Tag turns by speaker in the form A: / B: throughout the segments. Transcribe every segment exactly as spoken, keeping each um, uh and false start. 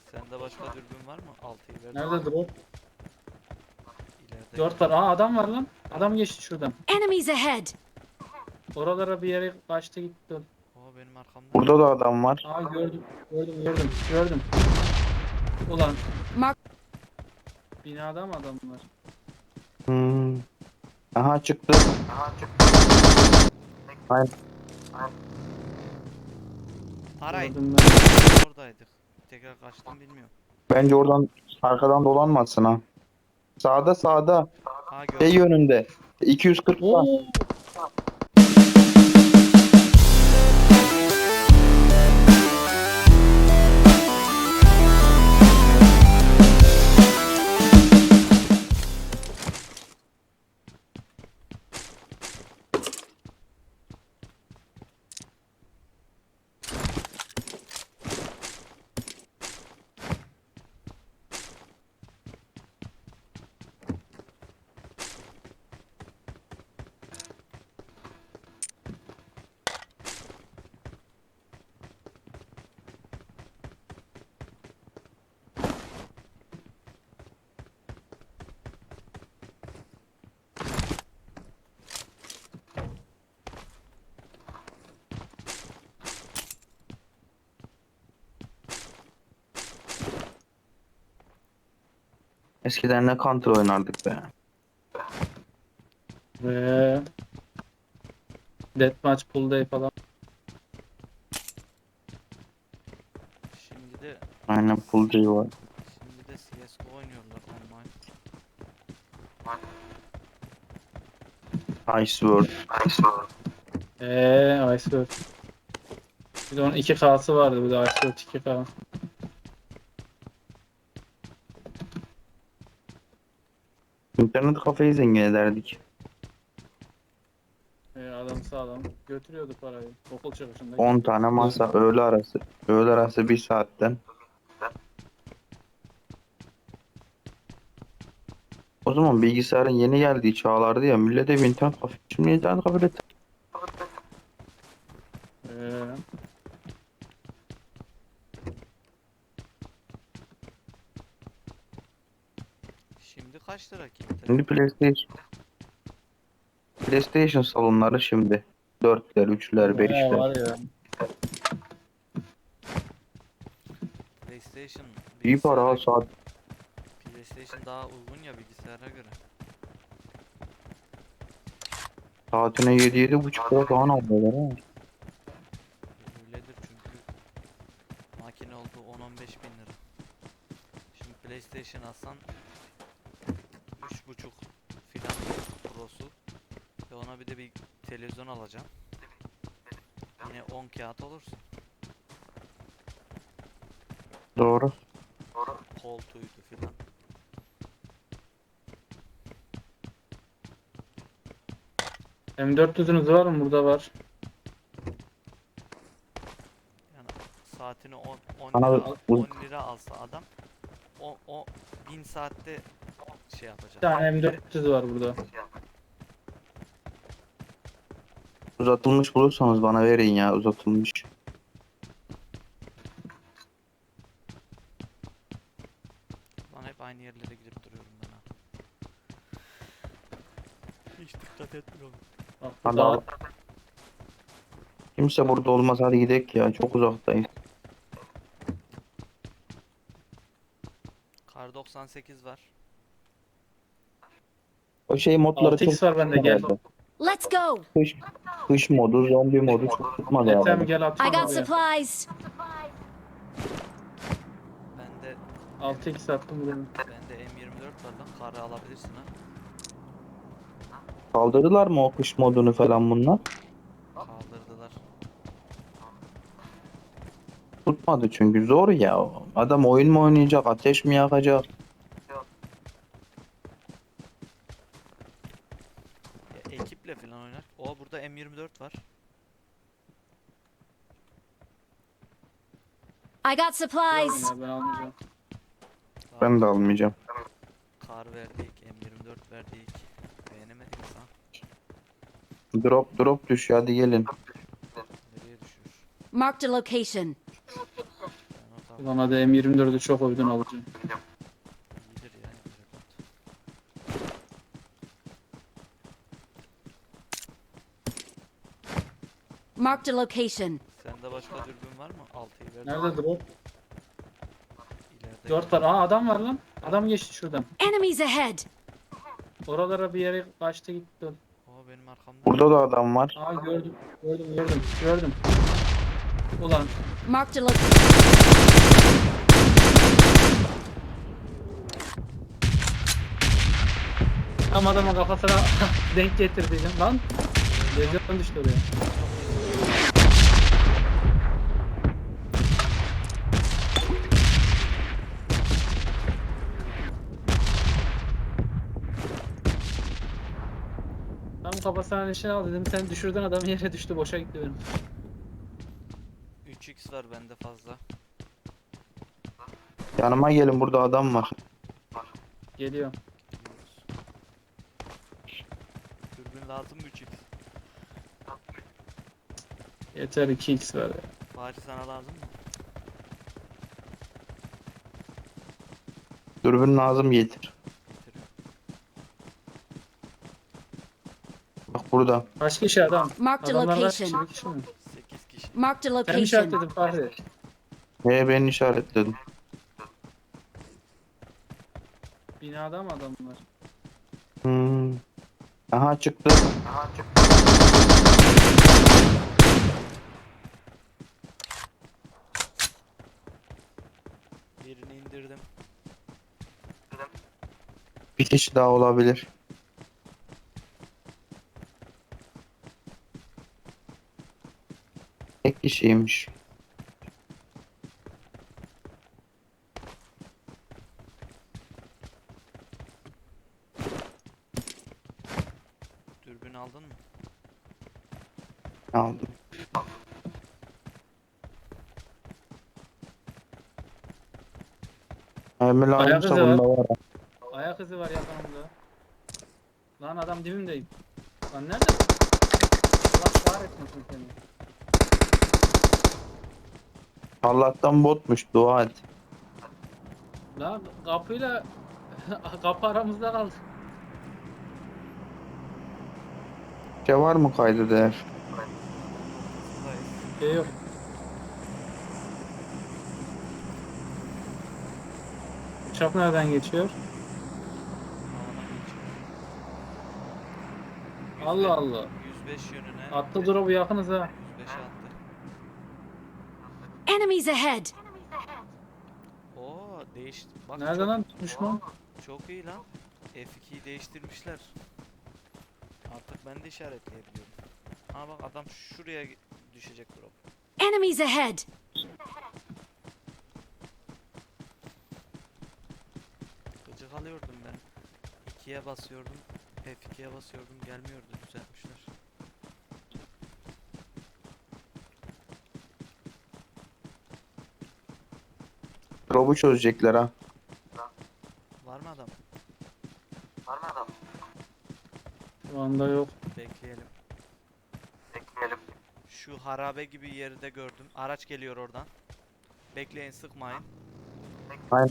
A: Sende başka dürbün var mı? altıyı verdim.
B: Nerede drop?
A: İleride.
B: Dört var. Aa adam var lan. Adam geçti şuradan.
C: Enemies ahead!
B: Oralara bir yere kaçtı gitti.
A: O benim arkamda.
D: Burada da adam var.
B: Aa gördüm. Gördüm gördüm. Gördüm. Ulan
C: Mark
B: binada mı adam var?
D: Hmm. Aha çıktı. Aynen.
A: Aray.
B: Gördüm ben.
A: Oradaydık. Tekrar kaçtım bilmiyorum.
D: Bence oradan arkadan dolanmasın ha. Sağda sağda.
A: Ha
D: Şey
A: gördüm.
D: yönünde. iki yüz kırkta.
B: Oo.
D: Eskiden ne Counter oynardık be.
B: Ve Deathmatch Pool Day falan.
A: Şimdi de
D: Aynen full J var.
A: şimdi de C S G O oynuyorlar online.
D: Ice World.
B: Eee Iceberg. Bir de onun iki K'sı vardı. Bir de Iceberg iki K.
D: İnternet kafeyi zengin ederdik.
B: Ee, adam sağlam. Götürüyordu parayı. Okul çıkışında.
D: on tane masa öğle arası. Öğle arası bir saatten. O zaman bilgisayarın yeni geldiği çağlardı ya, millete bir internet kafe. Şimdi internet kafede
B: Ee,
A: Şimdi kaç lira ki internet?
D: şimdi PlayStation PlayStation salonları şimdi dörtler, üçler,
B: bayağı
D: beşler.
B: var ya.
A: PlayStation
D: İyi para ha
A: bilgisayara,
D: saat.
A: PlayStation daha uygun ya bilgisayara göre.
D: Saatine yedi yedi buçuk lira falan alıyorlar ha.
A: Öyledir çünkü makine oldu on on beş bin lira. Şimdi PlayStation alsan üç buçuk filan Pro'su ve ona bir de bir televizyon alacaksın. Yine on kağıt olursun.
D: Doğru.
A: Koltuğuydu filan.
B: M dört yüzünüz var mı? Burada var.
A: Yani saatini on, on
D: Bana
A: lira,
D: bu-
A: on lira alsa adam o, o bin saatte şey
B: Bir
A: yapacak.
B: tane M dört yüz var burada.
D: Uzatılmış bulursanız bana verin ya, uzatılmış.
A: Lan hep aynı yerlere girip duruyorum ben ha. Hiç dikkat etmiyorum.
B: Bak
D: Hadi
B: burada
D: al.
B: var.
D: Kimse burada olmaz, hadi gidelim ya, çok uzaktayız.
A: Kar doksan sekiz var.
D: O şey modları
B: altı
D: çok
B: x var bende gel.
D: tutmadı.
C: let's go!
D: Kış, kış modu, zombi modu çok tutmadı
B: Ethem
D: abi.
B: gel
C: I
B: atıyorum
C: got
B: oraya.
C: supplies!
A: Bende
B: altı x attım buraya.
A: bende M yirmi dört var lan. Karı alabilirsin ha.
D: Kaldırdılar mı o kış modunu falan bunlar?
A: Kaldırdılar.
D: Tutmadı çünkü zor ya. Adam oyun mu oynayacak, ateş mi yakacak?
A: Ya, ekiple falan oynar. O burada M yirmi dört var.
C: I got supplies!
B: Ya ben almayacağım.
A: Kar,
D: Ben de almayacağım.
A: kar verdik, M yirmi dört verdik. Beğenemedik ha.
D: Drop drop düş, hadi gelin.
A: Nereye düşüyor?
C: Marked a location.
A: Ben o
B: Bana da M yirmi dördü çok oydan alacağım.
A: İyidir ya. güzel oldu.
C: Marked a location.
A: Sende başka dürbün var mı? altıyı verdim.
B: Nerede drop?
A: İleride.
B: dört var. Aa adam var lan. Adam geçti şuradan.
C: Enemies ahead.
B: Oralara bir yere kaçtı gitti.
A: Oo benim arkamda.
D: Burada da adam var.
B: Aa gördüm. Gördüm gördüm. Gördüm. Ulan
C: Marked a location.
B: tam adamın kafasına denk getirdiydim lan. Lezyon düştü oraya. Tam kafasına nişan al dedim. Sen düşürdün adamı yere düştü. Boşa gitti benim.
A: üç x var bende fazla.
D: Yanıma gelin, burada adam var.
B: Geliyor.
A: Gidiyoruz. Dürbün lazım mı üç x?
B: Yeter iki x var ya.
A: Bari sana lazım mı?
D: Dürbün lazım, getir.
A: Getiriyorum.
D: Bak burada.
B: Kaç kişi adam?
C: Marked a
B: Adamlar kaç kişi?
C: location.
B: Bir kişi mi?
A: sekiz kişi.
C: Marked a
B: Sen mi
C: location.
B: işaretledin Fahri?
D: He, ben işaretledim.
B: Binada mı adamlar?
D: Hmm. Aha çıktı.
A: Birini indirdim.
D: Bir kişi daha olabilir. Tek kişiymiş.
A: Dürbün aldın mı?
D: Aldım. Emir
B: Ayak
D: lazımsa
B: izi var.
D: bunda var.
B: Ayak izi var yakınımda. Lan adam dibimdeyim. Lan nerede? Allah kahretmesin seni.
D: Allah'tan botmuş, dua et.
B: Lan kapıyla kapı aramızda kaldı.
D: Şey var mı kaydı değer?
A: Ortasındayız.
B: Şey yok. Uçak nereden geçiyor?
A: Havadan geçiyor.
B: Allah Allah.
A: yüz beş yönüne.
B: Attı drop'u yakınız ha.
A: yüz beşe attı.
C: Enemies ahead.
A: Oo değişti. Bak
B: Nerede
A: çok,
B: lan düşman?
A: çok iyi lan. F ikiyi değiştirmişler. Artık ben de işaretleyebiliyorum. Aa bak adam şuraya gi- düşecek drop.
C: Enemies ahead.
A: Gıcık alıyordum ben. ikiye basıyordum. F ikiye basıyordum. Gelmiyordu. Düzeltmişler.
D: Drop'u çözecekler ha.
A: Var mı adam?
B: Şu anda yok.
A: Bekleyelim. Şu harabe gibi yeri de gördüm. Araç geliyor oradan. Bekleyin, sıkmayın.
D: Aynen.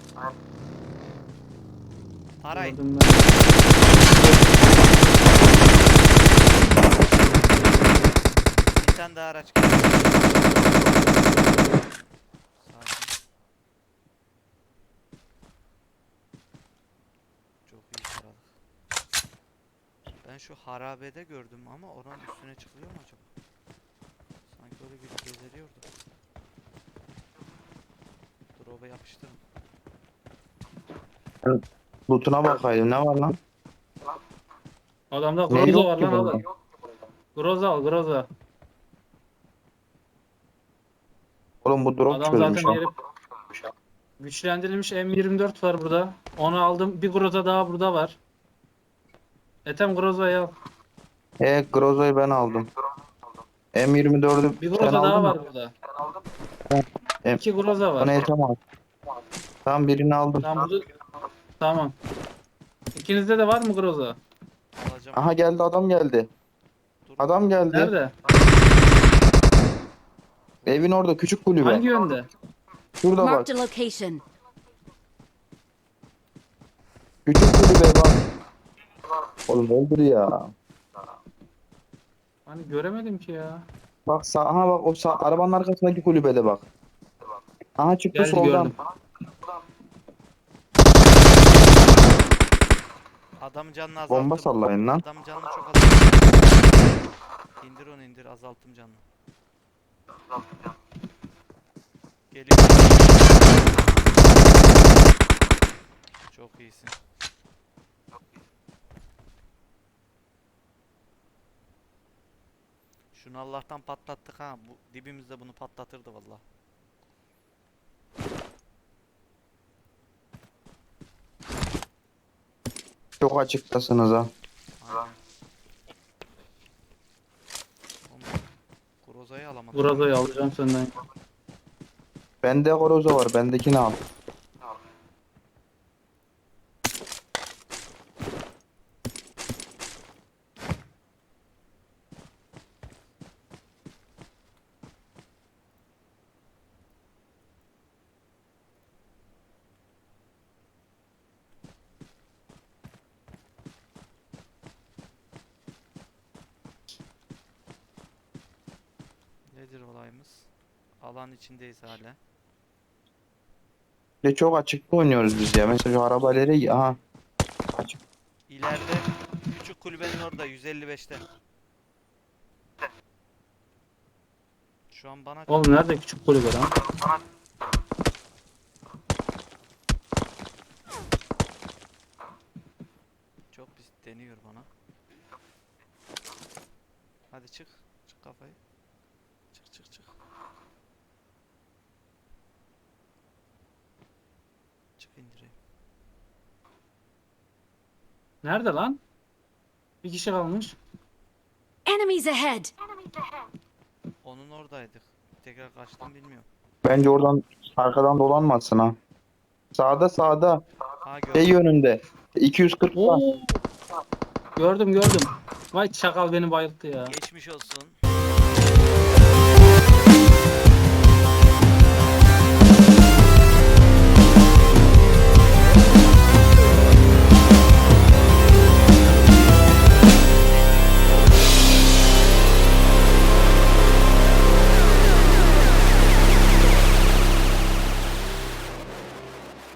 A: Arayın.
B: Gördüm ben.
A: Bir tane daha araç geliyor. Sakin. Çok iyi taradık. Ben şu harabede gördüm ama oranın üstüne çıkıyor mu acaba? Sanki öyle bir gezeriyordu. Drop'a yapıştırın.
D: Loot'una bakayım, ne var lan?
B: Adamda
D: Ne
B: Groza
D: yok
B: var
D: ki
B: lan
D: burada?
B: adam. Groza al Groza.
D: Oğlum bu drop
B: Adam
D: çözmüş
B: zaten
D: ha.
B: yeri güçlendirilmiş M yirmi dört var burada. Onu aldım. Bir Groza daha burada var. Etem Groza'yı al.
D: E, Groza'yı ben aldım. M yirmi dördü
B: Bir
D: sen
B: Groza daha
D: aldın
B: var
D: mı?
B: burada.
D: Em-
B: İki Groza var.
D: Onu Ethem al. Tamam, birini aldım.
B: Tamam burada. Tamam. İkinizde de var mı Groza?
A: Alacağım.
D: Aha geldi, adam geldi.
A: Dur.
D: Adam geldi.
B: Nerede?
D: Evin orada, küçük kulübe.
B: Hangi yönde?
D: Şurada bak.
C: Marked a location.
D: Küçük kulübe bak. Oğlum öldür ya.
B: Hani göremedim ki ya.
D: Bak sağ, aha bak o sağ, arabanın arkasındaki kulübede bak. Aha çıktı
B: Geldi
D: soldan.
B: gördüm.
A: Adamın canını azalttım.
D: Bomba sallayın lan.
A: Adamın canını çok azalttım. İndir onu indir, azalttım canını. Geliyor. Çok iyisin. Şunu Allah'tan patlattık ha. Bu dibimizde bunu patlatırdı vallahi.
D: Çok açıktasınız ha.
A: Aynen. Oğlum, Groza'yı alamadım.
B: Buradayı alacağım senden.
D: Bende Groza var. Bendekini al.
A: Nedir olayımız? Alan içindeyiz hala.
D: Bir de çok açıkta oynuyoruz biz ya. Mesela şu arabaları aha. Açık.
A: İleride küçük kulübenin orada yüz elli beşte. Şu an bana
B: Oğlum nerede küçük kulübe lan?
A: çok pis deniyor bana. Hadi çık. Çık kafayı. Çık çık çık. Çık indireyim.
B: Nerede lan? Bir kişi kalmış.
C: Enemies ahead!
A: Onun oradaydık. Tekrar kaçtım bilmiyorum.
D: Bence oradan arkadan dolanmasın ha. Sağda sağda.
A: Ha
D: Şey
A: gördüm.
D: yönünde. iki yüz kırk.
B: Oo. Gördüm gördüm. Vay çakal beni bayılttı ya.
A: Geçmiş olsun.